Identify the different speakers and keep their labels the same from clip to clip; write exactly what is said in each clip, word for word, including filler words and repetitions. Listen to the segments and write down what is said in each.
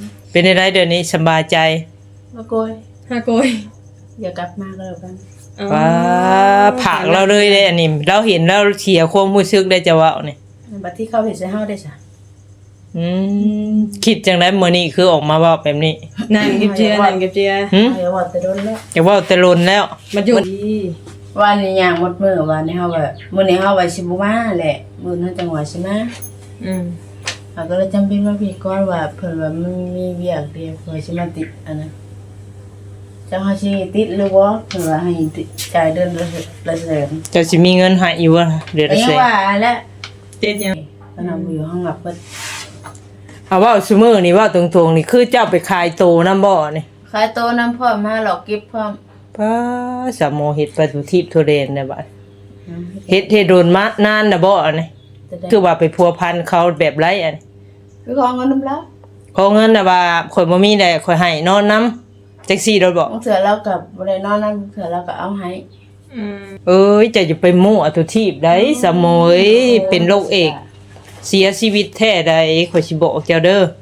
Speaker 1: เป็นได้เดี๋ยวนี้สบายใจ
Speaker 2: มาโกย
Speaker 3: ฮาโกย
Speaker 2: อย่ากลับมาก็แล้วกัน
Speaker 1: ว้าผักเราเลยเด้อันนี้เราเห็นแล้วเสียความรู้สึกได้จะว่านี่
Speaker 2: บัดที่เขาเห็นใส่เฮาได้จ้ะ
Speaker 1: อืมคิดจังได๋มื้อนี้คือออกมาเว้าแบบนี้
Speaker 3: นั่งเก็บเจียนั่งเก็บเจีย
Speaker 1: หึ
Speaker 2: อย่าว่าแต่โดนแล้ว
Speaker 1: อย่าเว้าแต่ลนแล้ว
Speaker 3: มาอยู่
Speaker 2: วันนี้ย่างหมดมื้อวันนี้เฮาว่ามื้อนี้เฮาว่าสิบ่มาแหละมื้อนั้นจังหวะสิมา
Speaker 3: อืม
Speaker 2: เฮาก็เลยจำเป็นว่าพี่ก่อนว่าเพิ่นว่ามันมีเวียกเดียวเพิ่นสิมาติดอันนั้นจังเฮาสิติดหรือบ่เพิ่นว่าให้จ่ายเดือนละแสน
Speaker 1: จะสิมีเงินให้อยู่บ่เดือนละแสน
Speaker 2: ว่าแล้ว
Speaker 3: เจ็ดยัง
Speaker 2: ตอนนั้นอยู่ห้องรับเพิ่น
Speaker 1: เอาเว้าซุมื้อนี่เว้าตรงๆนี่คือเจ้าไปขายโตนำบ่นี่
Speaker 2: ขายโตนำพร้อมมาหลอกเก็บพร้อม
Speaker 1: ป้าสามโมเฮ็ดประตูทิพย์ทุเรนได้บัดเฮ็ดเฮ็ดโดนมานานน่ะบ่อันนี้คือว่าไปพัวพันเขาแบบไรอัน
Speaker 2: คือขอเงินนำแล้ว
Speaker 1: ขอเงินน่ะว่าข่อยบ่มีได้ข่อยให้นอนนำจังซี่โดนบ่
Speaker 2: เถื่อเราก็บ่ได้นอนนำเถื่อเราก็เอาให้
Speaker 3: อืม
Speaker 1: เอ้ยจะจะไปมั่วตุทิพย์ได้สามโมเอ้ยเป็นโรคเอกเสียชีวิตแท้ใดข่อยสิบอกเจ้าเด้อ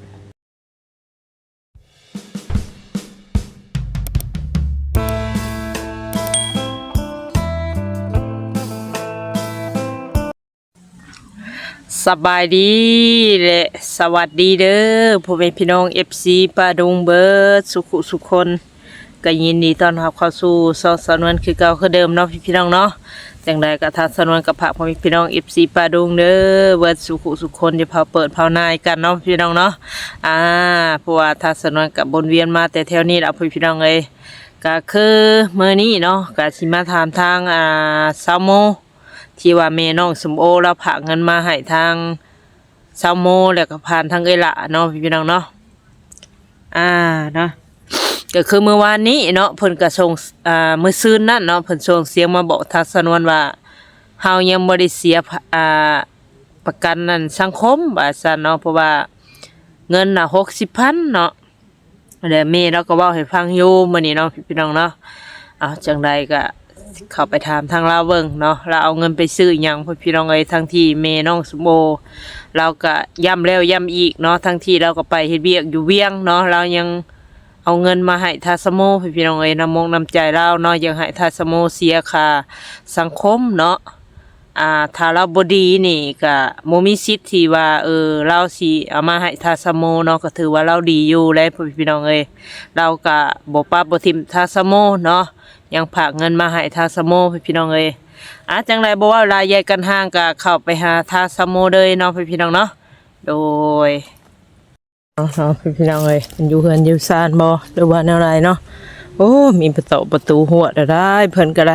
Speaker 1: สบายดีและสวัสดีเด้อพ่อแม่พี่น้อง เอฟ ซี ป้าดุงเบิดสุขุสุขคนก็ยินดีต้อนรับเข้าสู่ช่องสนวนคือเก่าคือเดิมเนาะพี่น้องเนาะจังใดก็ทางสนวนกับพระพ่อแม่พี่น้อง เอฟ ซี ป้าดุงเด้อเบิดสุขุสุขคนจะพาเปิดพานายกันเนาะพี่น้องเนาะอ่าเพราะว่าทางสนวนกับบนเวียนมาแต่แถวนี้ล่ะพี่น้องเอ้ยก็คือมื้อนี้เนาะก็สิมาถามทางอ่าซาโมที่ว่าแม่น้องสมโอเราฝากเงินมาให้ทางซาโมแล้วก็ผ่านทางเอ้ยละเนาะพี่น้องเนาะอ่าเนาะก็คือเมื่อวานนี้เนาะเพิ่นก็ส่งอ่ามื้อซืนนั่นเนาะเพิ่นส่งเสียงมาบอกทางสนวนว่าเฮายังบ่ได้เสียอ่าประกันนั่นสังคมว่าซั่นเนาะเพราะว่าเงินน่ะหกสิบพันเนาะแล้วแม่เราก็เว้าให้ฟังอยู่มื้อนี้เนาะพี่น้องเนาะอ้าวจังไดก็เข้าไปถามทางเราเบิ่งเนาะเราเอาเงินไปซื้อหยังพ่อพี่น้องเอ้ยทั้งที่แม่น้องสมโอเราก็ย้ำแล้วย้ำอีกเนาะทั้งที่เราก็ไปเฮ็ดเวียกอยู่เวียงเนาะเรายังเอาเงินมาให้ทาสโมพ่อพี่น้องเอ้ยนำมงนำใจเราเนาะยังให้ทาสโมเสียค่าสังคมเนาะอ่าถ้าเราบ่ดีนี่ก็บ่มีสิทธิ์ที่ว่าเออเราสิเอามาให้ทาสโมเนาะก็ถือว่าเราดีอยู่แล้วพ่อพี่น้องเอ้ยเราก็บ่ปรับบ่ทิ่มทาสโมเนาะยังฝากเงินมาให้ทาสโมพี่น้องเอ้ยอ่ะจังไรบ่ว่าลายใหญ่กันห่างก็เข้าไปหาทาสโมเลยเนาะพี่น้องเนาะโดยเนาะพี่น้องเอ้ยมันอยู่เฮือนอยู่ซ่านบ่หรือว่าแนวใดเนาะโอ้มีประตูประตูหัวได้เพิ่นก็ได้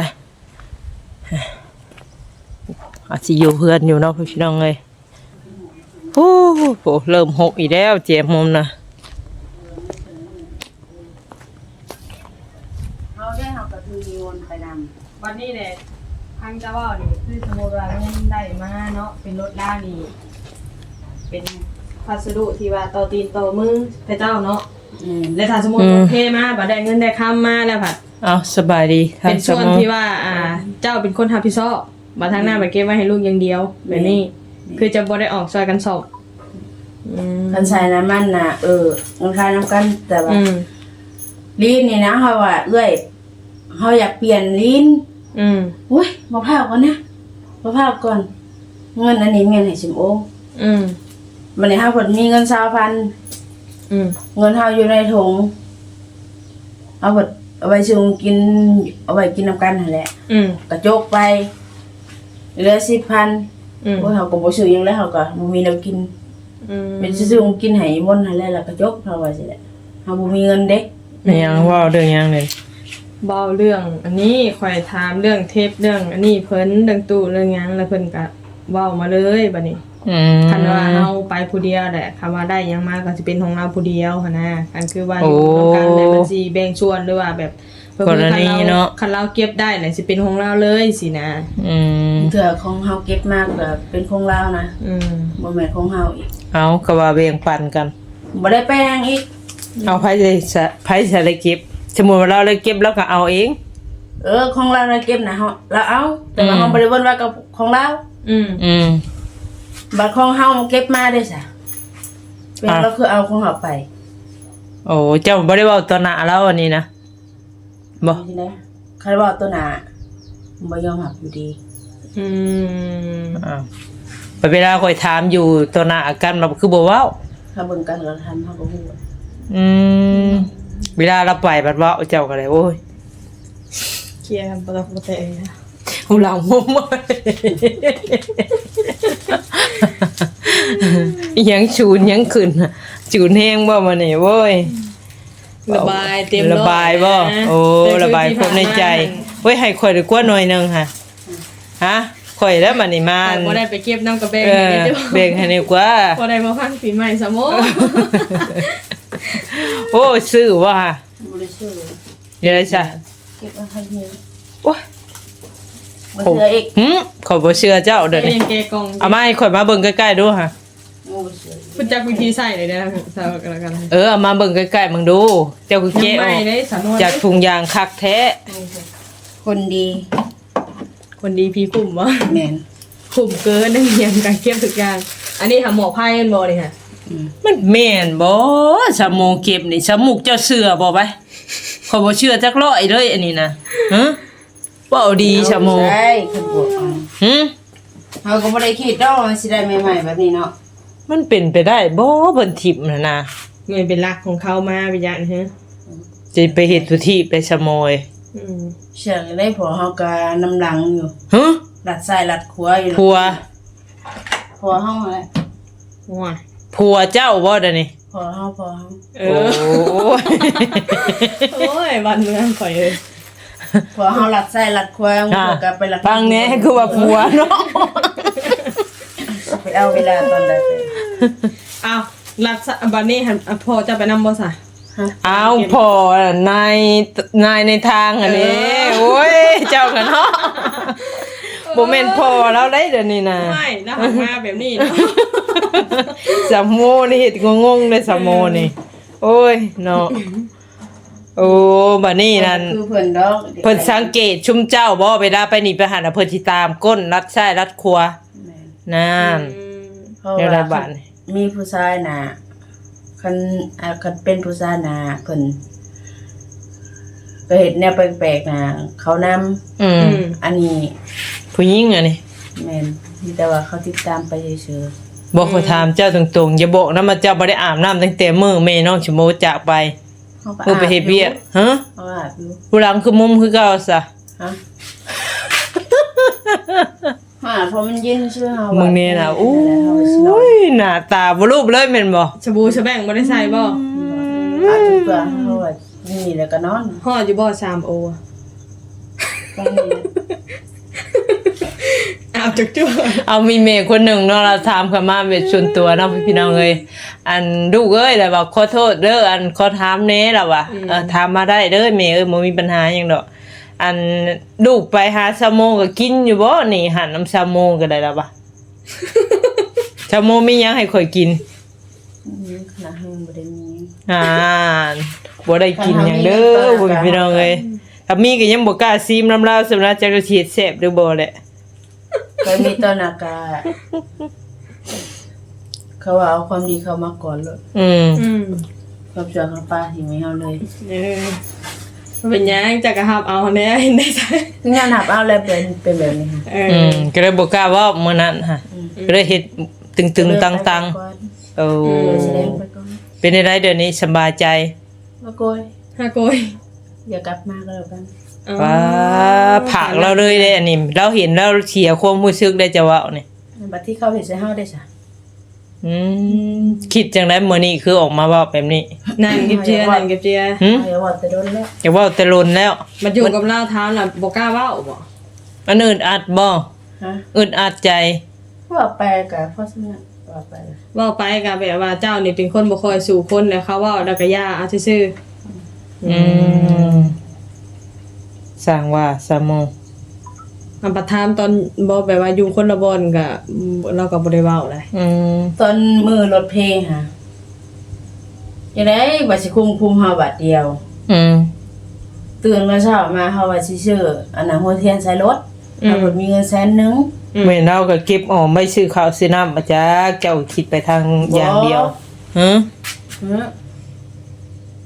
Speaker 1: อาจสิอยู่เฮือนอยู่เนาะพี่น้องเอ้ยโอ้โหเริ่มหกอีกแล้วเจ็บมุมนะ
Speaker 3: วันนี้เนี่ยทางเจ้าว่านี่คือสมมติว่าเงินได้มาเนาะเป็นรถล่านี่เป็นพัสดุที่ว่าต่อตีนต่อมือพระเจ้าเนาะและถ้าสมมติโอเคมาบัดได้เงินได้คำมาแล้วผัด
Speaker 1: เอาสบายดี
Speaker 3: เป็นส่วนที่ว่าอ่าเจ้าเป็นคนทำพิซซ่าบัดทางหน้าบัดเก็บไว้ให้ลูกอย่างเดียวแบบนี้คือจะบ่ได้ออกซอยกันสอบ
Speaker 2: คันใส่น้ำมันน่ะเออมันคล้ายน้ำกันแต่ว่าลิ้นนี่นะเฮาว่าเอ้ยเฮาอยากเปลี่ยนลิ้น
Speaker 3: อืม
Speaker 2: อุ้ยมาพร้าวก่อนนะมาพร้าวก่อนเงินอันนี้เงินให้สิมโอ
Speaker 3: อืม
Speaker 2: มันนี่เฮาเพิ่นมีเงินยี่สิบพัน
Speaker 3: อืม
Speaker 2: เงินเฮาอยู่ในถุงเอาเบิดเอาไว้ซื้อกินเอาไว้กินน้ำกันนั่นแหละ
Speaker 3: อืม
Speaker 2: กระจกไปเหลือสิบพันอืมโอ้ยเฮาก็บ่ซื้อหยังแล้วเฮาก็บ่มีแนวกินอืมเป็นซื้อกินให้มนต์นั่นแหละแล้วกระจกเฮาว่าสิแหละเฮาบ่มีเงินเด้
Speaker 1: แม่ยังว่าเรื่องยังเลย
Speaker 3: เบาเรื่องอันนี้ข่อยถามเรื่องเทปเรื่องอันนี้เพิ่นเรื่องตู้เรื่องหยังแล้วเพิ่นก็เว้ามาเลยบัดนี้
Speaker 1: อืม
Speaker 3: คันว่าเฮาไปผู้เดียวแหละคำว่าได้หยังมาก็สิเป็นของเราผู้เดียวหั่นนะอันคือว่าอยู่ร่วมกันแล้วมันสิแบ่งส่วนหรือว่าแบบเพิ่นคันเราคันเราเก็บได้น่ะสิเป็นของเราเลยสินะ
Speaker 1: อืม
Speaker 2: เถื่อของเฮาเก็บมากก็เป็นของเรานะ
Speaker 3: อืม
Speaker 2: บ่แม่นของเฮาอีก
Speaker 1: เอาก็ว่าแบ่งปันกัน
Speaker 2: บ่ได้แป้งอีก
Speaker 1: เอาไผสิไผสิได้เก็บสมมุติว่าเราเลยเก็บแล้วก็เอาเอง
Speaker 2: เออของเราเราเก็บนะเฮาเราเอาแต่ว่าเฮาบ่ได้เว้นว่ากับของเรา
Speaker 3: อืม
Speaker 1: อืม
Speaker 2: บัดของเฮาเก็บมาได้ซะเป็นเราคือเอาของเฮาไป
Speaker 1: โอ้เจ้าบ่ได้เว้าต่อหน้าแล้วอันนี้นะบ่
Speaker 2: ทีนี้คันว่าตัวหน้าบ่ยอมรับอยู่ดี
Speaker 3: อืม
Speaker 1: อ้าวเวลาข่อยถามอยู่ต่อหน้ากันเราคือบ่เว้า
Speaker 2: ถ้าเบิ่งกันเราทำเฮาก็ฮู้
Speaker 1: อืมเวลาเราไปบัดเว้าเจ้าก็เลยโอ้ย
Speaker 3: เคลียร์กันบ่ต้องบ่แต่นะ
Speaker 1: หูหลังมุมอิหยังชูนยังขึ้นน่ะจูนแห้งบ่มานี่โว้ย
Speaker 3: ระบายเต็ม
Speaker 1: ระบายบ่
Speaker 3: นะ
Speaker 1: โอ้ระบายความในใจเว้ยให้ข่อยได้กว่าหน่อยหนึงค่ะฮะข่อยแล้วบัดนี้มา
Speaker 3: บ่ได้ไปเก็บน้ำกระเบง
Speaker 1: เออ
Speaker 3: นี่เด้อ
Speaker 1: เบ่งให้ดีกว่า
Speaker 3: บ่ได้มาพังปีใหม่ซะโม
Speaker 1: โอ้ซื้อว่า
Speaker 2: บ่ได้ชื่อ
Speaker 1: เดี๋ยวจ้ะ
Speaker 2: เก็บไว้ให้เฮีย
Speaker 1: โอ้ย
Speaker 2: บ่เชื่ออีก
Speaker 1: หึขอยบ่เชื่อเจ้าเด้อ
Speaker 3: เอ
Speaker 1: นี่
Speaker 3: งเกกอง
Speaker 1: เอามาให้ข่อยมาเบิ่งใกล้ๆดูค่ะ
Speaker 2: บ่เชื่อ
Speaker 3: พูดจักวิธีใส่เลยนะสาวกันแล้วกัน
Speaker 1: เออเอามาเบิ่งใกล้ๆมึงดู เจ้าคือ
Speaker 3: ยั
Speaker 1: เกะ
Speaker 3: ง
Speaker 1: อ
Speaker 3: ไม่
Speaker 1: อก
Speaker 3: ได้สำนวน
Speaker 1: จากถุงยางคักแท้
Speaker 2: คนดี
Speaker 3: คนดีพี่คุมวะ
Speaker 2: แม่น
Speaker 3: คุมเกินนั่งเรียนการเก็บทุกอย่างอันนี้หาหมอไพ่กันบ่นี่ค่ะ
Speaker 2: อืม
Speaker 1: มันแม่นบ่สมองเก็บนี่สมุกเจ้าเชื่อบ่ไปขอยบ่เชื่อจักร้อยเลยอันนี้นะฮะบ่เอาดีสมอง
Speaker 2: ใช่คือบ่เอา
Speaker 1: หึ
Speaker 2: เฮาก็บ่ได้คิดดอกว่าสิได้ใหม่ๆแบบนี้เนาะ
Speaker 1: มันเป็นไปได้บ่เพิ่นทิพย์น่ะนะ
Speaker 3: เงินเป็นรักของเขามาวิญญาณฮะ
Speaker 1: จะไปเฮ็ดทุที่ไปสมอย
Speaker 3: อืม
Speaker 2: เชื่อได้พอเฮาก็น้ำหลังอยู่
Speaker 1: ฮะ
Speaker 2: ลัดซ้ายลัดขวาอยู่
Speaker 1: ผัว
Speaker 2: พอเฮาแหละ
Speaker 3: ว้า
Speaker 1: ผัวเจ้าบ่เด้อนี่
Speaker 2: พอเฮาพอเฮา
Speaker 3: เอ
Speaker 1: โอ้
Speaker 3: อโอ้ยวันเมืองข่อยเอ้ย
Speaker 2: พอเฮาลัดซ้ายลัดขวามัน
Speaker 1: อ่ะ
Speaker 2: ก็ไปลัด
Speaker 1: ฟังแหน่คือว่าผัวเนาะ
Speaker 2: ไปเอาเวลาตอนใดไป
Speaker 3: อ้าวรักษาบัดนี้หันอ่ะพอจะไปนำบ่ซะ
Speaker 2: ฮะ
Speaker 1: เอาพอนายนายในทางอันนี้โอ้ยเจ้ากันเนาะบ่แม่นพอแล้วได้เดี๋ยวนี้นะ
Speaker 3: ไม่แล้วหันมาแบบนี้เนาะ
Speaker 1: สามโมนี่เฮ็ดงงๆเลยสามโมนี่โอ้ยเนาะโอ้บัดนี้นั่น
Speaker 2: คือเพิ่นดอก
Speaker 1: เพิ่นสังเกตชุมเจ้าบ่เวลาไปนี่ไปหันน่ะเพิ่นสิตามก้นรัดซ้ายรัดขวา
Speaker 2: แม่น
Speaker 1: นั่น
Speaker 3: อืม
Speaker 2: เพราะ
Speaker 1: เดี๋ยว
Speaker 2: ว่า
Speaker 1: ได้บาดนี่
Speaker 2: มีผู้ชายน่ะคันอ่าคันเป็นผู้ชายน่ะเพิ่นก็เฮ็ดแนวแปลกๆน่ะเขานำ
Speaker 1: อื
Speaker 3: อื
Speaker 1: ม
Speaker 3: ม
Speaker 2: อันนี้
Speaker 1: ผู้หญิงอันนี้
Speaker 2: แม่นมีแต่ว่าเขาติดตามไปเฉย
Speaker 1: บอกขอถามเจ้าตรงๆอย่าบอกนะมาเจ้าบ่ได้อาบน้ำตั้งแต่มื้อแม่น้องชโมจากไป
Speaker 2: ๆเขาก็
Speaker 1: มื้อไปเฮ็ดเวียกฮะ
Speaker 2: เขาอาบอยู่
Speaker 1: ผู้หลังคือมุมคือเก่าซะ
Speaker 2: ฮะฮะเพราะมันเย็นชื่อเฮา
Speaker 1: มึงนี่น่ะอู้ยหน้าตาบ่รูปเลยแม่นบ่
Speaker 3: ชะบูชะแบ่งบ่ได้ใส่บ่
Speaker 2: อาบทุกตัวเฮาว่านี่แล้วก็นอน
Speaker 3: ฮอดอยู่บ่สามโออะ
Speaker 2: ตรงนี้
Speaker 3: อาบจักจั่ว
Speaker 1: เอามีเมย์คนหนึ่งเนาะเราถามเข้ามาเป็นส่วนตัวเนาะพี่น้องเอ้ยอันลูกเอ้ยแล้วว่าขอโทษเด้ออันขอถามแหน่ล่ะว่าเออถามมาได้เด้อแม่เอ้ยบ่มีปัญหาหยังดอกอันลูกไปหาซาโมก็กินอยู่บ่นี่หันน้ำซาโมก็ได้ล่ะว่า ซาโมมีหยังให้ข่อยกิน
Speaker 2: อืมขนาดเฮาบ่ได้มี
Speaker 1: อ่าบ่ได้กินหยังเด้อพ่อแม่พี่น้องเอ้ยถ้ามีก็ยังบ่กล้าซีมน้ำลาวสำหรับจักรเฮ็ดแซ่บหรือบ่แหละ
Speaker 2: เคยมีตอนอากาศเขาว่าเอาความดีเข้ามาก่อนเลย
Speaker 1: อืม
Speaker 3: อืม
Speaker 2: ความชั่วของป้าที่ไม่เฮาเลย
Speaker 3: เออมันเป็นหยังจักกะหับเอาแน่เห็นได้ใส่
Speaker 2: ถึงงานหับเอาแล้วเป็นเป็นแบบนี้ค่ะ
Speaker 3: เอ
Speaker 1: อื
Speaker 3: อ
Speaker 1: มก็เลยบ่กล้าเว้ามื้อนั้นฮะก็เลยเฮ็ดตึงๆตังๆโอ้
Speaker 2: แสดงไปก่อน
Speaker 1: เป็นได้เดี๋ยวนี้สบายใจ
Speaker 2: มาโกย
Speaker 3: ฮาโกย
Speaker 2: อย่ากลับมาก็แล้วกัน
Speaker 3: อ๋อ
Speaker 1: ว้าผักเราเลยเด้อันนี้เราเห็นแล้วเสียความรู้สึกได้จะเว้านี่
Speaker 2: บัดที่เขาเห็นใส่เฮาได้ซะ
Speaker 1: อืมคิดจังได๋มื้อนี้คือออกมาเว้าแบบนี้
Speaker 3: นั่งเก็บเจียนั่งเก็บเจีย
Speaker 1: หึ
Speaker 2: เอาอย่าว่าแต่โดนแล้ว
Speaker 1: อยากเว้าแต่ลนแล้ว
Speaker 3: มันอยู่กับเราเท้าน่ะบ่กล้าเว้าบ่
Speaker 1: มันอึดอัดบ่
Speaker 2: ฮะ
Speaker 1: อึดอัดใจ
Speaker 2: ว่าไปก็เพราะฉะนั้นว่าไป
Speaker 3: เว้าไปก็แบบว่าเจ้านี่เป็นคนบ่ค่อยสู่คนแล้วเขาเว้าแล้วก็ย่าเอาซื่อ
Speaker 1: อืมสร้างว่าสามโมง
Speaker 3: ๆอันประทามตอนบ่แบบว่าอยู่คนละบ่อนก็เราก็บ่ได้เว้าเลย
Speaker 1: อืม
Speaker 2: ตอนมือรถเพลงค่ะจังได๋ว่าสิคุมคุมเฮาบัดเดียว
Speaker 1: อืม
Speaker 2: ตื่นมาเช้ามาเฮาว่าสิซื้ออันน่ะหัวเทียนใส่รถถ้าเพิ่นมีเงินแสนหนึง
Speaker 1: แม่เราก็เก็บออมไม่ซื้อข้าวซื้อน้ำมาจ้าเจ้าคิดไปทางอย่างเดียวฮะ
Speaker 2: ฮะ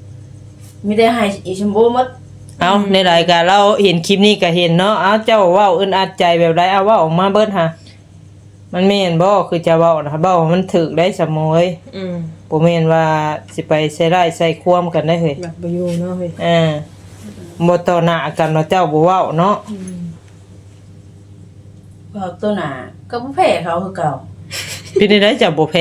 Speaker 2: มีแต่ให้อีชมพูหมด
Speaker 1: เอาในรายการเราเห็นคลิปนี้ก็เห็นเนาะเอาเจ้าเว้าอึดอัดใจแบบไรเอาเว้าออกมาเบิดหามันแม่นบ่คือจะเว้านะเว้ามันถูกได้สมอย
Speaker 3: อืม
Speaker 1: บ่แม่นว่าสิไปใส่ร้ายใส่ความกันได้เฮ้ย
Speaker 3: แบบบ่อยู่เนาะเฮ้ย
Speaker 1: อ่าบ่ต่อหน้ากันว่าเจ้าบ่เว้าเนาะ
Speaker 3: อืม
Speaker 2: พอตัวหน้าก็บ่แพ้เขาคือเก่า
Speaker 1: เป็นได้เจ้าบ่แพ้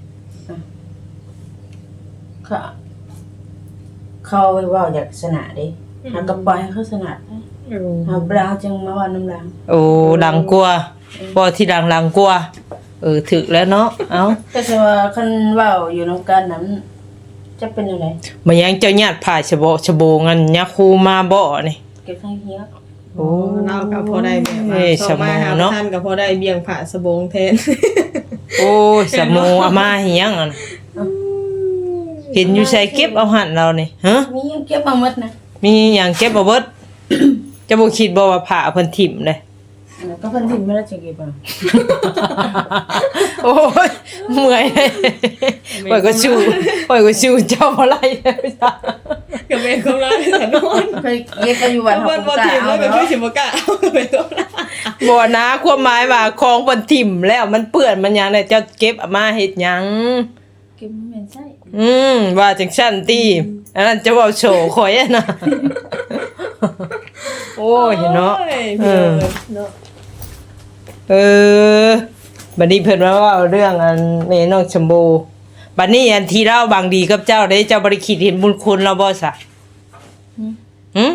Speaker 2: เขาเขาเว้าอยากชนะเด้หาก็ปล่อยให้เขาชนะ
Speaker 3: เออ
Speaker 2: หาบ่ได้จังมาว่าน้ำหลัง
Speaker 1: โอ้ดังกว่าบ่ที่ดังดังกว่าเออถึกแล้วเนาะเอ้า
Speaker 2: แต่ถ้าว่าคันเว้าอยู่นำกันนั้นจะเป็นจังได
Speaker 1: มันยังเจ้าญาติผ่าฉบฉโบงันยักคูมาบ่นี่
Speaker 2: เก็บข้างเฮีย
Speaker 1: โอ้
Speaker 3: เราก็พอได้แบบ
Speaker 1: เอ้
Speaker 3: ว่าย สอบมาหา
Speaker 1: สมองเนาะ
Speaker 3: ท่านก็พอได้เบี่ยงผ่าสบงแทน
Speaker 1: โอ้ยสมูอามาเฮียงอ่ะเห็นอยู่ใส่เก็บเอาหันเรานี่ฮะ
Speaker 2: มียังเก็บมาหมดนะ
Speaker 1: มีหยังเก็บบ่เบิด จะบ่คิดบ่ว่าผ่าเพิ่นถิ่มเด้
Speaker 2: แล้วก็เพิ่นทิ้งไม่ได้จะเก็บเอา
Speaker 1: โอ้ยเมื่อยเลยปล่อยก็ชูปล่อยก็ชูเจ้าบ่ไล่เลยจ้ะ
Speaker 3: ก็เป็นของเราแต่นอน
Speaker 2: เคยเก็บไปอยู่วัน
Speaker 3: บ
Speaker 2: เฮาน
Speaker 3: บ
Speaker 2: บ่
Speaker 3: น
Speaker 2: กล้า
Speaker 3: ทีม
Speaker 2: เอา
Speaker 3: แล้วก็
Speaker 2: เนาะ
Speaker 3: คือสิบ่กล้าเอาก็เป็นของเรา
Speaker 1: บ่นะความหมายว่าของเพิ่นถิ่มแล้วมันเปื้อนมันหยังได้เจ้าเก็บเอามาเฮ็ดหยัง
Speaker 2: เก็บไม่เป็นไส้
Speaker 1: อืมว่าจังซั่นติอันนั้นจะเว้าโชว์ข่อยอะนะ โอ้ยเนาะ
Speaker 3: โอ้ย
Speaker 1: เอ
Speaker 3: พี่
Speaker 1: อ
Speaker 3: เนาะ
Speaker 1: เออบัดนี้เพิ่นว่าเว้าเรื่องอันแม่น้องชมพูบัดนี้อันที่เราบางดีกับเจ้าได้เจ้าบ่ได้คิดเห็นบุญคุณเราบ่ซะหึ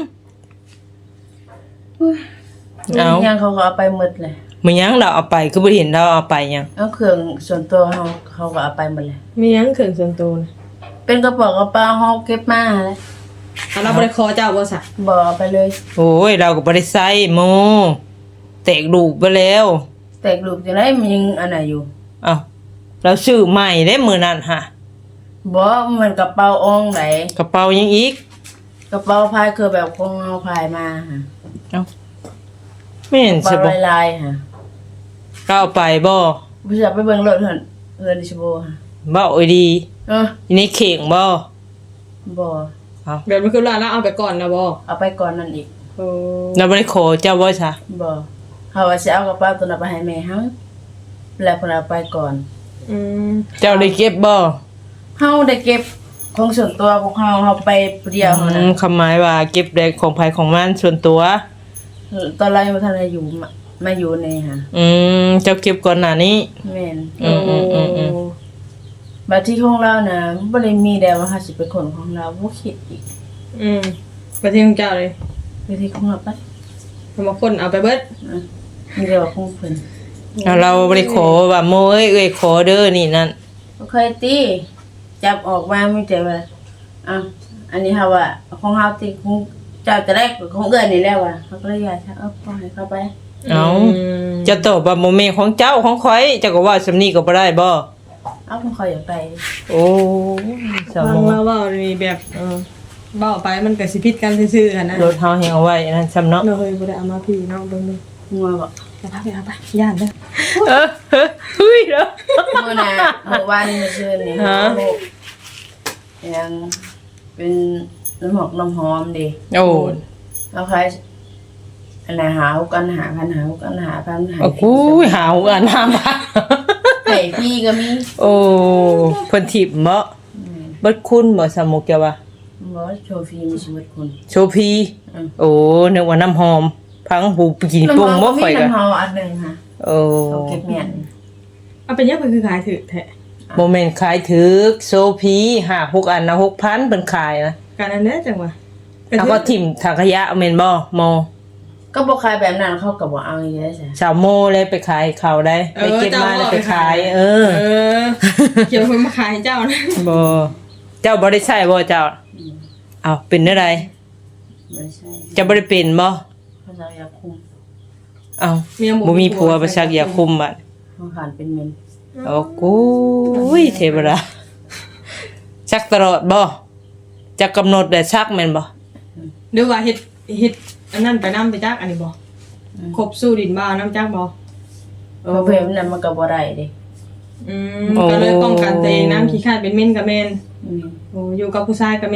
Speaker 1: เอา
Speaker 2: ยังเขาก็เอาไปหมดเลย
Speaker 1: มันหยังเราเอาไปคือบ่เห็นเราเอาไปหยัง
Speaker 2: เอาเครื่องส่วนตัวเขาเขาก็เอาไปหมดเลย
Speaker 3: มีหยังเครื่องส่วนตัวนะ
Speaker 2: เป็นกระเป๋ากระเป๋าเฮาเก็บมาเลย
Speaker 3: เอาเราบ่ได้ขอเจ้าบ่ซะ
Speaker 2: บ่เอาไปเลย
Speaker 1: โอ้ยเราก็บ่ได้ใส่โมแตกลูกไปแล้ว
Speaker 2: แตกลูกจังไดมันยังอันไหนอยู่
Speaker 1: เอ้าเราซื้อใหม่ได้มื้อนั้นฮะ
Speaker 2: บ่มันกระเป๋าอองไหน
Speaker 1: กระเป๋ายังอีก
Speaker 2: กระเป๋าพายคือแบบของเฮาพายมาฮะ
Speaker 1: เอ้าแม่น
Speaker 2: กระ
Speaker 1: สิ
Speaker 2: เป๋า
Speaker 1: บ่
Speaker 2: ลายๆฮะ
Speaker 1: เราเอาไปบ่
Speaker 2: บ่อยากไปเบิ่งรถเพิ่นเอิ้นสิบ่ฮะ
Speaker 1: บ่โอ้ยดี
Speaker 2: เออ
Speaker 1: อันนี้เข่งบ่
Speaker 2: บ่
Speaker 1: เอ้า
Speaker 3: แบบมันคือว่าเราเอาไปก่อนนะบ่
Speaker 2: เอาไปก่อนนั่นอีก
Speaker 3: โอ้
Speaker 1: เราบ่ได้ขอเจ้าบ่ซะ
Speaker 2: บ่เฮาว่าสิเอากระเป๋าตัวนั้นไปให้แม่เฮาแล้วเพิ่นเอาไปก่อน
Speaker 3: อืม
Speaker 1: เจ้าได้เก็บบ่
Speaker 2: เฮาได้เก็บของส่วนตัวของเฮาเฮาไปผู้เดียวเฮา
Speaker 1: อื
Speaker 2: นะ
Speaker 1: มคำหมายว่าเก็บได้ของภายของมันส่วนตัว
Speaker 2: ตอนแรกบ่ทันได้อยู่มามาอยู่นี่ฮะ
Speaker 1: อืมเจ้าเก็บก่อนหน้านี้
Speaker 2: แม่น
Speaker 1: อืมอืมอืมอืม
Speaker 2: บัดที่ของเราน่ะบ่ได้มีแต่ว่าเฮาสิเป็นคนของเราบ่คิดอีก
Speaker 3: อืมไปที่ของเจ้าเลย
Speaker 2: บัดที่ของเราไป
Speaker 3: ทำมาคนเอาไปเบิด
Speaker 2: อ่ะมีแต่ว่าของเพิ่น
Speaker 1: เอาเราบ่ได้ขอว่าโมเอ้ยเอ้ยขอเด้อนี่นั่น
Speaker 2: บ่เคยตีจับออกมามีแต่ว่าอ่ะอันนี้เฮาว่าของเฮาติของเจ้าจะได้ของเอื้อนนี่แล้วว่ะเขาก็เลยอยากจะเอาปล่อยเข้าไป
Speaker 1: เอา
Speaker 3: ม
Speaker 1: จะตอบว่าโมเมนต์ของเจ้าของข่อยเจ้าก็ว่าสำนี้ก็บ่ได้บ่
Speaker 2: เอาของเขาอยากไป
Speaker 1: โอ้ส
Speaker 3: ฟั
Speaker 1: ม
Speaker 3: ง
Speaker 1: อง
Speaker 3: ว่าว่ามีแบบเออเว้าไปมันก็สิผิดกันซื่อๆกันนะ
Speaker 1: รถเฮาแฮงเอาไว้นั่นซ้ำเนาะ
Speaker 3: เราเคยบ่ได้เอามาพี่น้องเบิ่งดู
Speaker 2: งัวบอก
Speaker 3: ไปพาไปเอาไปย่านเด้อ
Speaker 1: เออเฮ้ยเฮ้ยเด้อ
Speaker 2: เมื่อน่ะเมื่อวานนี้เมื่อคืนนี่
Speaker 1: ฮะ
Speaker 2: ยังเป็นน้ำหอมน้ำหอมดิ
Speaker 1: โอ้
Speaker 2: เอาใครอันไหนหากันหาพันหากันหาพันหา
Speaker 1: โอ้โหหาวอันน้ำพัก
Speaker 2: ไข่พี่ก็มี
Speaker 1: โอ้เพิ่นทิพย์บ่เบิดคุณบ่สมุกแกว่า
Speaker 2: บอสโชฟีมีชีวิตคน
Speaker 1: โชพีโอ้นึกว่าน้ำหอม พังหูกินปรุงบ่ค่อยก็
Speaker 2: น้ำหอมอันหนึ่งค่ะ
Speaker 1: โอ้
Speaker 2: เอาเก็บเมียน
Speaker 3: เอาเป็นยังไงคือขายถือแท้
Speaker 1: โมเมนต์ขายถึกโซพีห้า หกอันนะ หกพัน เพิ่นขายนะ
Speaker 3: การอันเนี้ยจังหวะ
Speaker 1: แล้วก็ถิ่มถังขยะเอาแม่นบ่โม
Speaker 2: ก็บอกขายแบบนั้นเขาก็บอกเอาอย่างนี้ได้ใช่
Speaker 1: สาวโมเลยไปขายเขาได้ ไปเก็บมาแล้วไปขาย เออ
Speaker 3: เออเกี่ยวกับมาขายเจ้านะ
Speaker 1: บ่เจ้าบ่ได้ใช้บ่เจ้าอ้าวเป็นได้ได
Speaker 2: ไม่ใช่
Speaker 1: เจ้าบ่ได้เป็นบ่
Speaker 2: เขาจะอยากคุม
Speaker 1: อ้าวบ่มีผัวไปซักยาคุมบัด
Speaker 2: เขาขานเป็นเมน
Speaker 1: โอ้กูยเทวดาซักตลอดบ่จะกำหนดได้ซักแม่นบ่
Speaker 3: หรือว่าเฮ็ดเฮ็ดอันนั้นไปน้ำไปจักอันนี้บ่ครบสู้ดินบ้าน้ำจักบ่
Speaker 2: เพราะเพลงนั้นมันก็บ่ได้เดิ
Speaker 3: อืมก็เลยป้องกันตัวเองน้ำขี้คร้าดเป็นเม่นกับเม่น
Speaker 2: อืม
Speaker 3: โอ้อยู่กับผู้ชายกับเม่น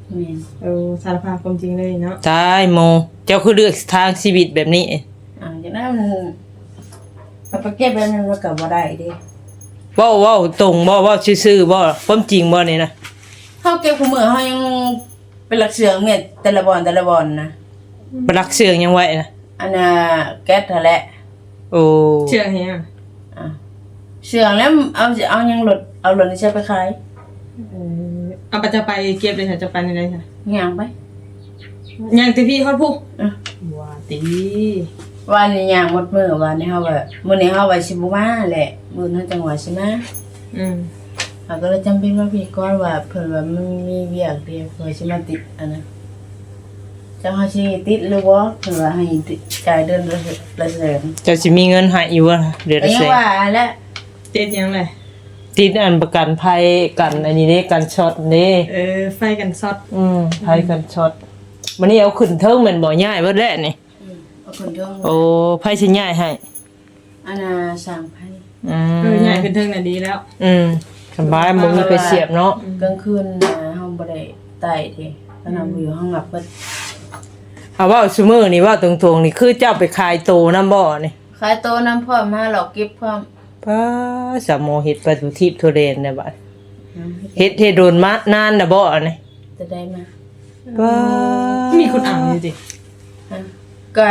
Speaker 2: แม่น
Speaker 3: เออสารภาพความจริงเลยเนาะ
Speaker 1: ตายโมเจ้าคือเลือกทางชีวิตแบบนี้
Speaker 2: อ่าจากนั้นมันเอาไปเก็บไว้มันก็บ่ได้เด้
Speaker 1: เว้าเว้าตรงบ่เว้าซื่อๆบ่ความจริงบ่นี่นะ
Speaker 2: เฮาเก็บคู่มือเฮายังเป็นหลักเสืองเม็ดแต่ละบอนแต่ละบอนนะ
Speaker 1: บ่รักเสื่องยังไว้นะ
Speaker 2: อันน่ะแก๊สนั่นแหละ
Speaker 1: โอ้
Speaker 3: เชื่อเฮีย
Speaker 2: อ่ะเสืองแล้วเอาสิเอายังรถเอารถนี่ใช้ไปขาย
Speaker 3: เออเอาไปจะไปเก็บเลยค่ะจะไปในไหนค่ะ
Speaker 2: ย่างไป
Speaker 3: ยังติพี่ฮอดผู้
Speaker 2: อ่ะ
Speaker 3: ว่าติ
Speaker 2: วันนี้ย่างหมดมื้อวันนี้เฮาว่ามื้อนี้เฮาว่าสิบ่มาแหละมื้อนั้นจังหวะสิมา
Speaker 3: อืม
Speaker 2: เฮาก็เลยจำเป็นว่าพี่ก่อนว่าเพิ่นว่ามันมีเวียกเดียวเพิ่นสิมาติดอันนั้นจังเฮาสิติดหรือบ่เพิ่นว่าให้ติดจ่ายเดือนละละแสน
Speaker 1: เจ้าสิมีเงินให้อยู่บ่เดือน
Speaker 2: ก็
Speaker 1: ละ
Speaker 2: ยั
Speaker 1: แส
Speaker 2: ง
Speaker 1: น
Speaker 2: ว่าแล้ว
Speaker 3: เจ็ดยังเลย
Speaker 1: ติดอันประกันภัยกันอันนี้เด้กันช็อตเด้
Speaker 3: เออไฟกันซอด
Speaker 1: อืมภัยกันช็อตวันนี้เอาขึ้นเทิงแม่นบ่ย้ายเบิดแล้วนี่
Speaker 2: อืมเอาคนเดียว
Speaker 1: โอ้ไผสิย้ายให้
Speaker 2: อันน่ะสามพัน
Speaker 1: อื
Speaker 3: เออ
Speaker 1: ม
Speaker 3: ใหญ่ขึ้นเทิงน่ะดีแล้ว
Speaker 1: อืมสบายบ่มีไปเสียบเนาะ
Speaker 2: กลางคืนน่ะเฮาบ่ได้ไต่เด้ตอนนั้นบ่อยู่ห้องหลับเบิด
Speaker 1: เอาเว้าซุมื้อนี่เว้าตรงๆนี่คือเจ้าไปขายโตนำบ่นี่
Speaker 2: ขายโตน้ำพร้อมมาหลอกเก็บพร้อม
Speaker 1: ป้าสามโมเฮ็ดประตูทิพย์ทุเรนได้บัดเฮ็ดเฮ็ดโดนมานานน่ะบ่นี่
Speaker 2: จะได้มา
Speaker 1: ป้า
Speaker 3: มีคนอ่านอยู่สิ
Speaker 2: ฮะก็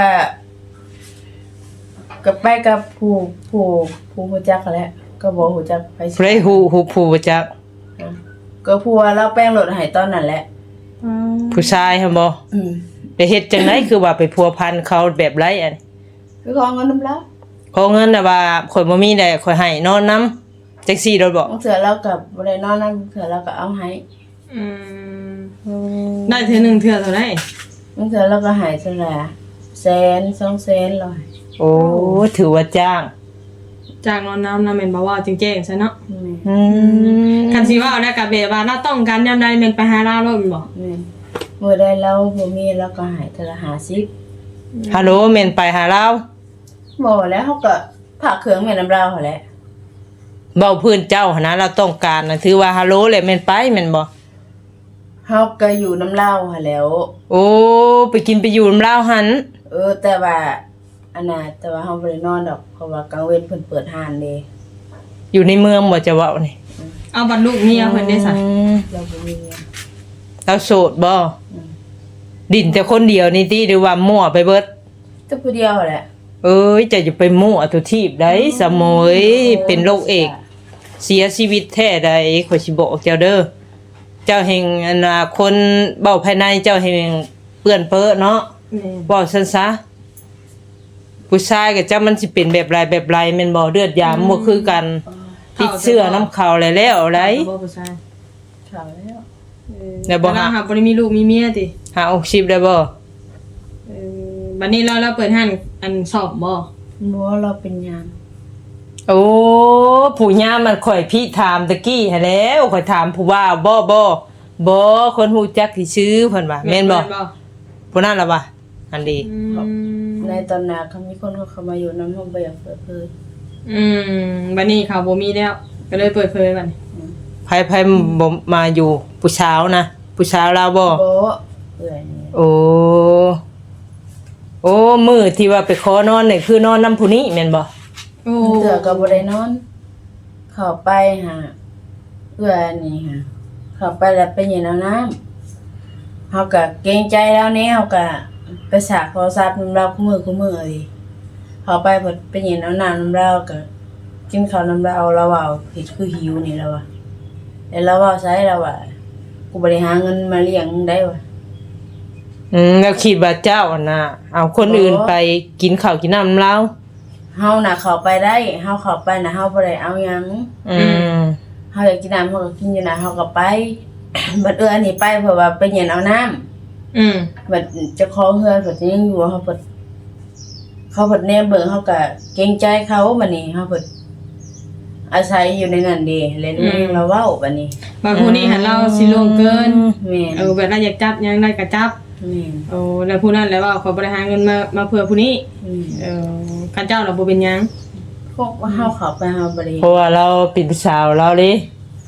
Speaker 2: ก็ไปกับผู้ผู้ผู้รู้จักแหละก็บ่รู้จักไป
Speaker 1: เพลฮู้ฮู้ผู้บ่จัก
Speaker 2: ฮะก็ผู้ว่าเราแป้งรถให้ตอนนั้นแหละ
Speaker 1: ผู้ชายหั่นบ่
Speaker 2: อืม
Speaker 1: ได้เฮ็ดจังไดคือว่าไปพัวพันเขาแบบไรอัน
Speaker 2: คือขอเงินนำแล้ว
Speaker 1: ขอเงินน่ะว่าข่อยบ่มีได้ข่อยให้นอนนำจังซี่โดดบ่
Speaker 2: บางเทื่อเราก็บ่ได้นอนนั่นบางเทื่อเราก็เอาให้
Speaker 3: อืมได้เทื่อหนึงเทื่อเท่าไหร่
Speaker 2: บางเทื่อเราก็ให้เท่าไหร่อะแสนสองแสนร้อย
Speaker 1: โอ้ถือว่าจ้าง
Speaker 3: จากนอนน้ำน้ำแม่นบ่ว่าจริงแจ้งซะเนาะ
Speaker 2: แม่น
Speaker 1: อืม
Speaker 3: คันสิว่าเอาได้กับเบว่าเราต้องการยามใดแม่นไปหาเราโลดแม่นบ่
Speaker 2: แม่นมื้อใดเราบ่มีเราก็ให้เท่าละห้าสิบ
Speaker 1: ฮัลโหลแม่นไปหาเรา
Speaker 2: บ่แล้วเฮาก็ฝากเครื่องแม่น้ำเราหั่นแหละ
Speaker 1: เว้าพื้นเจ้าหั่นนะเราต้องการน่ะถือว่าฮัลโหลแหละแม่นไปแม่นบ่
Speaker 2: เฮาก็อยู่น้ำเล่าหั่นแหล้ว
Speaker 1: โอ้ไปกินไปอยู่นำลาวหั่น
Speaker 2: เออ แต่ว่าอันน่ะแต่ว่าเฮาบ่ได้นอนดอกเพราะว่ากลางเว้นเพิ่นเปิดห้านเด้
Speaker 1: อยู่ในเมืองบ่จะเว้านี่
Speaker 3: เอาบัตรลูกเมียเพิ่นได้ซะ
Speaker 1: อืม
Speaker 2: เราบ่มีเงิน
Speaker 1: เราโสดบ่
Speaker 2: อืม
Speaker 1: ดินแต่คนเดียวนี่ติหรือว่ามั่วไปเบิด
Speaker 2: แต่ผู้เดียวแหละ
Speaker 1: เอ้ยจะจะไปมั่วทุทีบได้สมอยเป็นโรคเอกเสียชีวิตแท้ใดข่อยสิบอกเจ้าเด้อเจ้าแห่งอนาคนเบ้าภายในเจ้าแห่งเปื้อนเพ้อเนาะ
Speaker 3: แม่น
Speaker 1: เว้าซั่นซะผู้ชายกับเจ้ามันสิเป็นแบบไรแบบไรแม่นบ่เลือดยามบ่คือกันติดเชื้อน้ำเขาแล้วแล้วไร
Speaker 3: บ่ผู้ชาย
Speaker 2: ข่าวแล้ว
Speaker 3: เออ
Speaker 1: แล้วบ่หา
Speaker 3: เราหาบ่ได้มีลูกมีเมียติ
Speaker 1: หาอกชิบได้บ่
Speaker 3: เออบัดนี้เราเราเปิดห้านอันสอบบ่
Speaker 2: บ่เราเป็นหยัง
Speaker 1: โอ้ผู้ย่ามันข่อยพี่ถามตะกี้หั้นแหล้วข่อยถามผู้ว่าบ่บ่บ่คนฮู้จักที่ชื่อเพิ่นว่าแม่นบ่ผู้นั้นล่ะว่าอันดี
Speaker 3: อืม
Speaker 2: ในตอนนั้นเขามีคนเขาเข้ามาอยู่นำห้องบ่อยากเปิดเผย
Speaker 3: อืมบัดนี้เขาบ่มีแล้ว ก็เลยเปิดเผยบัดนี้
Speaker 1: ไผไผบ่มาอยู่ผู้สาวนะผู้สาวลาวบ่
Speaker 2: บ่เอื้อยนี่
Speaker 1: โอ้โอ้มื้อที่ว่าไปขอนอนนี่คือนอนนำผู้นี้แม่นบ่
Speaker 3: โอ้
Speaker 2: เทื่อก็บ่ได้นอน เข้าไปหาเอื้อยนี่ฮะเข้าไปแล้วไปเย็นเอาน้ำเฮาก็เกรงใจแล้วแนวก็ไปสากโทรศัพท์นำเราคู่มือคู่มือดิเข้าไปเพิ่นไปเย็นเอาน้ำนำเราก็กินข้าวนำเราเราเว้าเฮ็ดคือหิวนี่แล้วว่ะแล้วเราเว้าใส่เราว่ากูบ่ได้หาเงินมาเลี้ยงมึงได้ว่ะ
Speaker 1: อืมแล้วคิดว่าเจ้าอะน่ะเอาคนอื่นไปกินข้าวกินน้ำลาว
Speaker 2: เฮาน่ะเข้าไปได้เฮาเข้าไปน่ะเฮาบ่ได้เอาหยัง
Speaker 1: อืม
Speaker 2: เฮาอยากกินน้ำเฮาก็กินอยู่น่ะเฮาก็ไป บัดเอื้ออันนี้ไปเพราะว่าไปเย็นเอาน้ำ
Speaker 3: อืม
Speaker 2: บัดเจ้าของเฮือนเพิ่นยังอยู่เฮาเพิ่นเขาเพิ่นแนมเบิ่งเฮาก็เกรงใจเขาบัดนี้เฮาเพิ่นอาศัยอยู่ในนั้นเด้เล่นเพลงเราเว้าบัดนี้
Speaker 3: บางผู้นี้หันเราสิลงเกิน
Speaker 2: แม่น
Speaker 3: เออแบบเราอยากจับหยังได้ก็จับ
Speaker 2: แม่น
Speaker 3: โอ้แล้วผู้นั้นแล้วว่าเขาบ่ได้หาเงินมามาเพื่อผู้นี้
Speaker 2: อืม
Speaker 3: เออคันเจ้าเราบ่เป็นหยัง
Speaker 2: พวกว่าเฮาเข้าไปเฮาบ่ได้
Speaker 1: เพราะว่าเราเป็นผู้สาวเราเด้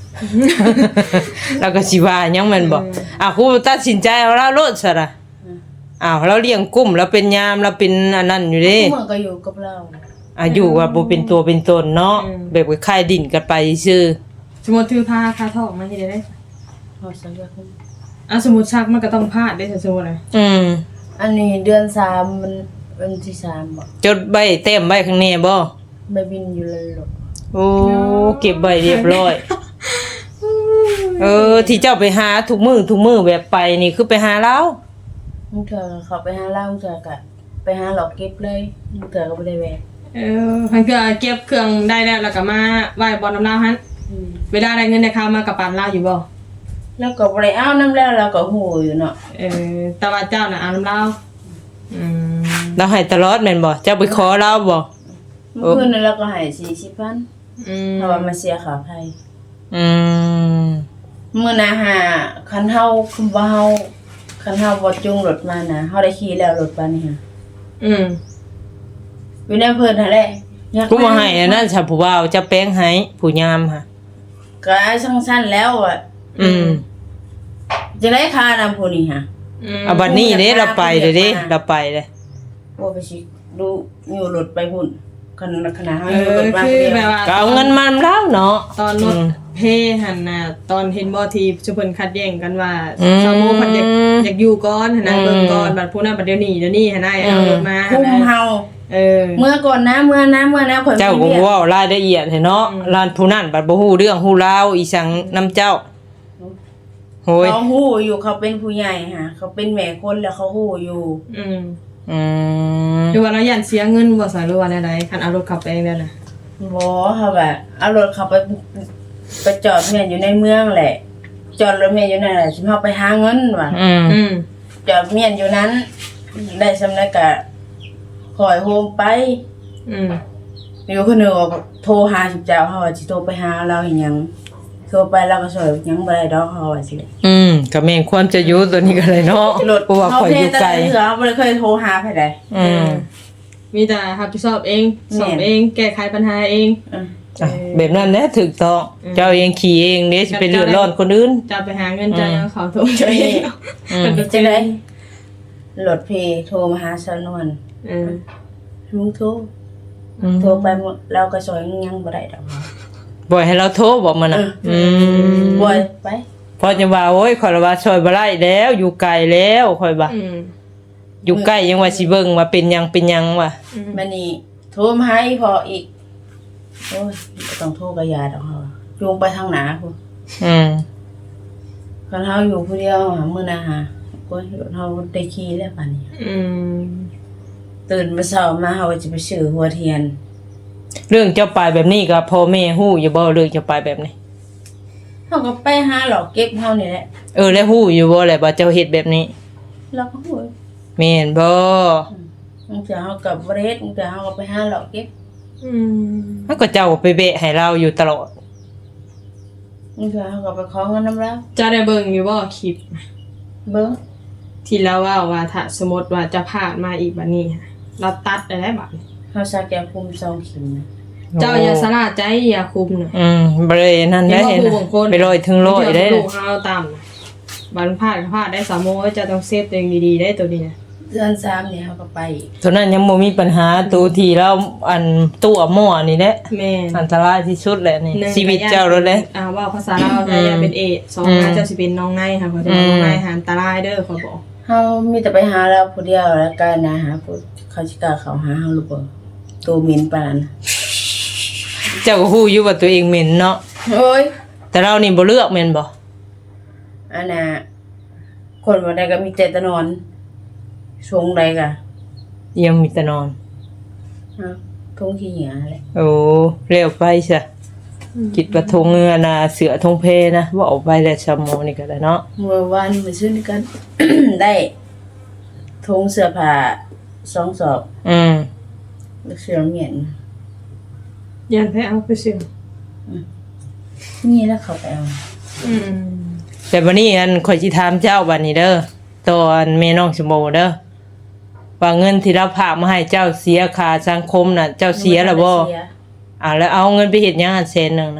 Speaker 1: แล้วก็สิว่าหยังแม่นบ่อ้าวครูตัดสินใจเอาแล้วโลดซะล่ะอ้าวเราเลี้ยงกุ้มเราเป็นยามเราเป็นอันนั้นอยู่เด้
Speaker 2: เมื่อก็อยู่กับเรา
Speaker 1: อายุว่าบ่เป็นตัวเป็นตนเนาะแบบว่าคายดินกันไปซื่อ
Speaker 3: สมมุติถือผ้าคาทองมันสิได้ได้
Speaker 2: พอสักอย่าง
Speaker 3: อ่ะสมมุติซักมันก็ต้องพลาดได้สมมุติน่ะ
Speaker 1: อืม
Speaker 2: อันนี้เดือนสามมันวันที่สามบ่
Speaker 1: จดใบเต็มใบข้างในบ่
Speaker 2: ใบบินอยู่เลยหรอก
Speaker 1: โอ้เก็บใบเรียบร้อย เออที่เจ้าไปหาทุกมื้อทุกมื้อแบบไปนี่คือไปหาเรา
Speaker 2: มึงเถอะเขาไปหาเหล้ามึงเถอะกะไปหาหลอกเก็บเลยมึงเถอะก็บ่ได้แหวะ
Speaker 3: เออมันก็เก็บเครื่องได้แล้วแล้วก็มาไหว้บอลน้ำลาวหั่น
Speaker 2: อืม
Speaker 3: เวลาได้เงินได้ค่ามากับปานลาวอยู่บ่
Speaker 2: แล้วก็บ่ได้เอาน้ำแล้วเราก็หูอยู่เนาะ
Speaker 3: เออแต่ว่าเจ้าน่ะเอาน้ำลาวอืม
Speaker 1: เราให้ตลอดแม่นบ่เจ้าไปขอเราบ่
Speaker 2: เมื่อคืนนั้นเราก็ให้สี่สิบพัน
Speaker 3: อืม
Speaker 2: เพราะว่ามาเสียค่าไฟ
Speaker 1: อืม
Speaker 2: มื้อหน้าหาคันเฮาคือว่าเฮาคันเฮาบ่จุงรถมานะเฮาได้ขี่แล้วรถปานนี้ฮะ
Speaker 3: อืม
Speaker 2: อยู่ในเพิ่นนั่นแหละอยาก
Speaker 1: กูบ่ให้อันนั้นฉันผู้บ่าวจะแป้งให้ผู้ยามค่ะ
Speaker 2: ก็สั้นๆแล้วอ่ะ
Speaker 1: อืม
Speaker 2: จะได้ค่านำผู้นี้ฮะ
Speaker 3: อืม
Speaker 1: เอาบัดนี้เด้เราไปเด้เด้เราไปเด้
Speaker 2: ว่าไปสิดูอยู่รถไปพุ่นขนาดขนาดเฮา
Speaker 3: เอ
Speaker 2: อยู่
Speaker 3: อ
Speaker 2: รถมา
Speaker 3: คื
Speaker 2: ผู้
Speaker 3: อ
Speaker 2: เดียว
Speaker 3: แบบว่า
Speaker 1: ก็เอาเงินมานำแล้วเนาะ
Speaker 3: ตอนรถ
Speaker 1: อืม
Speaker 3: เพหันน่ะตอนเห็นบ่ทีชุเพิ่นคัดแย่งกันว่า
Speaker 1: อืม
Speaker 3: ซาโมเพิ่นอยากอยากอยู่ก่อนหั่นน่ะ
Speaker 1: อืม
Speaker 3: เบิ่งก่อนบัดผู้นั้นบัดเดี๋ยวนี้เดี๋ยวนี้หั่นน่ะเอารถมา
Speaker 2: คุม
Speaker 3: หั่นน่ะ
Speaker 2: เฮา
Speaker 3: เออ
Speaker 2: เมื่อก่อนนะเมื่อนะเมื่อนะข่อย
Speaker 1: เจ้าก็
Speaker 2: มี
Speaker 1: บ่
Speaker 2: เวีย
Speaker 1: เว้ารายละเอียดให้เนาะร้านผู้นั้นบัดบ่ฮู้เรื่องฮู้ราวอีสังนํเจ้าโหย
Speaker 2: เขาฮู้อยู่เขาเป็นผู้ใหญ่ฮะเขาเป็นแม่คนแล้วเขาฮู้อยู่
Speaker 3: อืม
Speaker 1: อืม
Speaker 3: หรือว่าเราย่านเสียเงินบ่ซะหรือว่าแนวใดคันเอารถขับไปเองแล้วน่ะ
Speaker 2: บ่เขาแบบเอารถเขาไปไปจอดแม่นอยู่ในเมืองแหละ จอดรถแม่นอยู่นั่นแหละสิเฮาไปหาเงินว่ะ
Speaker 1: อืม
Speaker 3: อืม
Speaker 2: จอดเมียนอยู่นั้น ได้สำนักกะคอยโฮมไป
Speaker 3: อืม
Speaker 2: อยู่คนหนึงก็โทรหาสิเจ้าเฮาว่าสิโทรไปหาเราอีหยังโทรไปเราก็ช่วยหยังบ่ได้ดอกเฮาว่าสิ
Speaker 1: อืมก็แม่นความจะอยู่ตัวนี้ก็เลยเนาะ
Speaker 2: รถ
Speaker 1: เพราะว่าข่อยอยู่ไกล
Speaker 2: เฮาเพแต่ละเทื่อเฮาบ่ได้เคยโทรหาไผใด
Speaker 1: อืม
Speaker 3: มีแต่รับผิดชอบเอง
Speaker 2: แม่น
Speaker 3: สอบเองแก้ไขปัญหาเอง
Speaker 2: อือ
Speaker 1: อ่ะแบบนั้นแหละถูกต้องเจ้าเองขี่เองเด้สิไปเลือดร้อนคนอื่น
Speaker 3: จะไปหาเงินจะยังเขาโทรช่วยเอง
Speaker 1: อืม
Speaker 2: เป็นจังได๋รถเพโทรมาหาสนวน
Speaker 3: เออ
Speaker 2: ลุงโทรโทรไปหมดเราก็ช่วยยังบ่ได้ดอก
Speaker 1: บ่ให้เราโทรบอกมันน่ะอืม
Speaker 2: บ่อยไป
Speaker 1: พอจะว่าโอ้ยข่อยละว่าช่วยบ่ได้แล้วอยู่ไกลแล้วข่อยว่า
Speaker 3: อืม
Speaker 1: อยู่ใกล้ยังว่าสิเบิ่งว่าเป็นหยังเป็นหยังว่ะ
Speaker 2: บัดนี้โทรมาหาอีพออีกโอ้ยบ่ต้องโทรก็ยาดอกเฮาจูงไปทางหน้าพุ่น
Speaker 1: อืม
Speaker 2: คันเฮาอยู่ผู้เดียวหามื้อหน้าหาโอ้ยรถเฮาได้ขี่แล้วบัดนี้
Speaker 3: อืม
Speaker 2: ตื่นมาเช้ามาเฮาก็สิไปซื้อหัวเทียน
Speaker 1: เรื่องเจ้าไปแบบนี้ก็พ่อแม่ฮู้อยู่บ่เรื่องเจ้าไปแบบนี้
Speaker 2: เฮาก็ไปหาหลอกเก็บเฮานี่แหละ
Speaker 1: เออแล้วฮู้อยู่บ่แหละว่าเจ้าเฮ็ดแบบนี้
Speaker 2: เราก็ฮู้
Speaker 1: แม่นบ่
Speaker 2: บางเทื่อเฮาก็บ่ได้เฮ็ดบางเทื่อเฮาก็ไปหาหลอกเก็บ
Speaker 3: อืม
Speaker 1: มันก็เจ้าไปเบะให้เราอยู่ตลอด
Speaker 2: บางเทื่อเฮาก็ไปขอเงินนำเรา
Speaker 3: จะได้เบิ่งอยู่บ่คลิป
Speaker 2: เบิ่ง
Speaker 3: ที่เราว่าว่าถ้าสมมติว่าจะผ่านมาอีกบัดนี้ค่ะเราตัดได้แล้วบัดนี้
Speaker 2: เฮาสักยาคุมสองเข็มนะ
Speaker 3: เจ้าอย่าสลาดใจอย่าคุมน่ะ
Speaker 1: อืมบ่ได้นั่นได้
Speaker 3: เห็
Speaker 1: เห็
Speaker 3: น
Speaker 1: น
Speaker 3: ว่าผู้บางคน
Speaker 1: ไปลอยถึงร้อยได้
Speaker 3: ลูกเฮาตามน่ะบัดพลาดก็พลาดได้สามโมงจะต้องเซฟตัวเองดีๆได้ตัวนี้นะ
Speaker 2: เดือนสามนี่เฮาก็ไปอีก
Speaker 1: เท่านั้นยังบ่มีปัญหาตัวที่เราอันตัวหม้อนี่แหละ
Speaker 3: แม่น
Speaker 1: อันตรายที่สุดแหละนี่
Speaker 3: หนึ่ง
Speaker 1: ชีวิตเจ้าแล้วแหละ
Speaker 3: อ่าว่าภาษาลาวไทยอย่าเป็นเอดสอง
Speaker 1: อืม
Speaker 3: อาเจ้าสิเป็นน้องในค่ะเพราะจะน้องในหาอันตรายเด้อขอยบอก
Speaker 2: เฮามีแต่ไปหาเราผู้เดียวแล้วกันนะหาผู้เขาสิกล้าเข้าหาเฮาหรือบ่ตัวเหม็นปานนั้น
Speaker 1: เจ้าก็ฮู้อยู่ว่าตัวเองเหม็นเนาะ
Speaker 2: โอ้ย
Speaker 1: แต่เรานี่บ่เลือกแม่นบ่
Speaker 2: อันน่ะคนบ่ได้ก็มีแต่ตะนอนชงใดก็
Speaker 1: ยังมีแต่นอน
Speaker 2: ฮะทงขี้เหยาแหละ
Speaker 1: โอ้เร็วไปซะคิดว่าทงเงือน่ะเสือทงเพนะว่าออกไปแล้วชั่วโมงนี่ก็ได้เนาะ
Speaker 2: เมื่อวานไปซื้อด้วยกัน ได้ทงเสื้อผ้าสองสอบ
Speaker 1: อืม
Speaker 2: แล้วเสื้อเหมียน
Speaker 3: ยันแพ้เอาไปเสิ
Speaker 2: นี่แล้วเขาไปเอา
Speaker 3: อืม
Speaker 1: แต่วันนี้อันข่อยสิถามเจ้าบัดนี้เด้อตอนแม่น้องชมโมเด้อว่าเงินที่เราฝากมาให้เจ้าเสียค่าสังคมน่ะ เจ้าเสียแล้วบ่
Speaker 2: เสีย
Speaker 1: อ่าแล้วเอาเงินไปเฮ็ดหยังอันแสนนึงนะ
Speaker 2: เ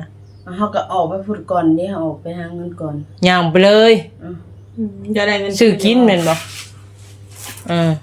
Speaker 2: เฮาก็ออกไปพูดก่อนเด้เฮาออกไปหาเงินก่อน
Speaker 1: ย่างไปเลย
Speaker 2: อือ
Speaker 3: อืมจะได้เงิน
Speaker 1: ซื้อกินแม่นบ่อือ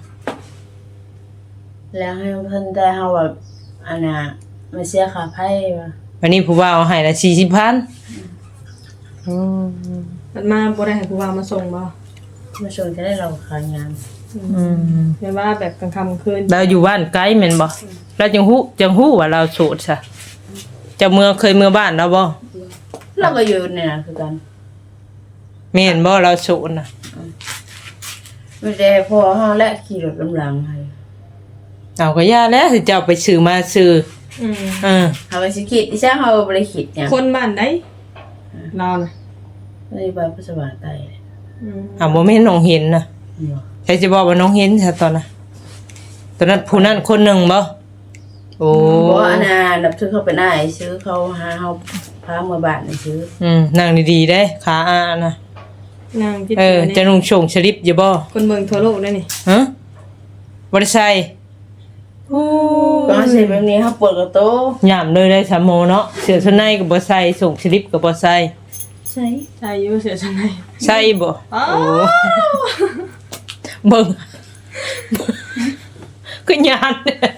Speaker 2: แล้วให้เพิ่นได้เฮาแบบอันน่ะมาเสียค่าไผว่า
Speaker 1: วันนี้ผู้ว่าเอาให้ละสี่สิบพันอืม
Speaker 3: มันมาบ่ได้ให้ผู้ว่ามาส่งบ่
Speaker 2: มาชวนก็ได้เราขายงาน
Speaker 1: อืม
Speaker 3: เห็นว่าแบบกลางค่ำคืน
Speaker 1: เราอยู่บ้านไกลแม่นบ่เราจังฮู้จังฮู้ว่าเราโสดซะเจะเมืองเคยเมื่อบ้านแล้วบ่
Speaker 2: เราก็อยู่เนี่ยนะคือกัน
Speaker 1: แม่นบ่เราโสดน่ะ
Speaker 2: ไม่ได้พอเฮาและขี่รถลำหลังให้
Speaker 1: เอาก็ย่าแล้วสิเจ้าไปซื้อมาซื้อ
Speaker 3: อืม
Speaker 1: เออ
Speaker 2: เฮาก็สิคิดอีซ่าเฮาบ่ได้คิดหยัง
Speaker 3: คนบ้านใดเราน่ะ
Speaker 2: เลยไปพุทธบาทใต้
Speaker 3: อืม
Speaker 1: อ่าบ่แม่นน้องเห็นน่ะ
Speaker 2: เนาะ
Speaker 1: ใครจะบอกว่าน้องเห็นซะตอนน่ะตอนนั้นผู้นั้นคนหนึงบ่โอ้
Speaker 2: บ่อันน่ะนับถือเขาเป็นอ้ายซื้อเขาหาเฮาพาเมื่อบ้านนี่ซื้อ
Speaker 1: อืมนั่งดีๆเด้ขาอาน่ะ
Speaker 3: นางคิด
Speaker 1: เออ
Speaker 3: ว่า
Speaker 1: จะ
Speaker 3: เนี่ย
Speaker 1: นุ่งชงสลิปอยู่บ่
Speaker 3: คนเมืองทั่วโลกได้นี่
Speaker 1: ฮะบ่ได้ใส่โอ้
Speaker 2: ก็เสิแบบนี้เฮาเปิดกระโต
Speaker 1: ยามเลยได้สามโมเนาะเสื้อชั้นในก็บ่ใส่ส่งสลิปก็บ่ใส่
Speaker 2: ใช่
Speaker 3: ใช่อยู่เสียจังได๋
Speaker 1: ใส่บ่
Speaker 3: อ้า
Speaker 1: โอ้
Speaker 3: ว
Speaker 1: เบิ่งก็ยาน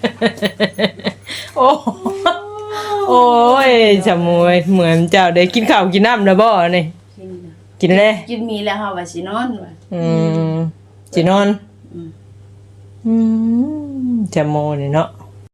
Speaker 1: โอ้โอ้ยจำมวยเหมือนเจ้าได้กินข้าวกินน้ำแล้วบ่นี่
Speaker 2: กินน่ะ
Speaker 1: กินแล้ว
Speaker 2: กินมีแล้วเฮาว่าสินอนว่า
Speaker 1: อืมสินอน
Speaker 2: อืม
Speaker 1: อืมจำโมนี่เนาะ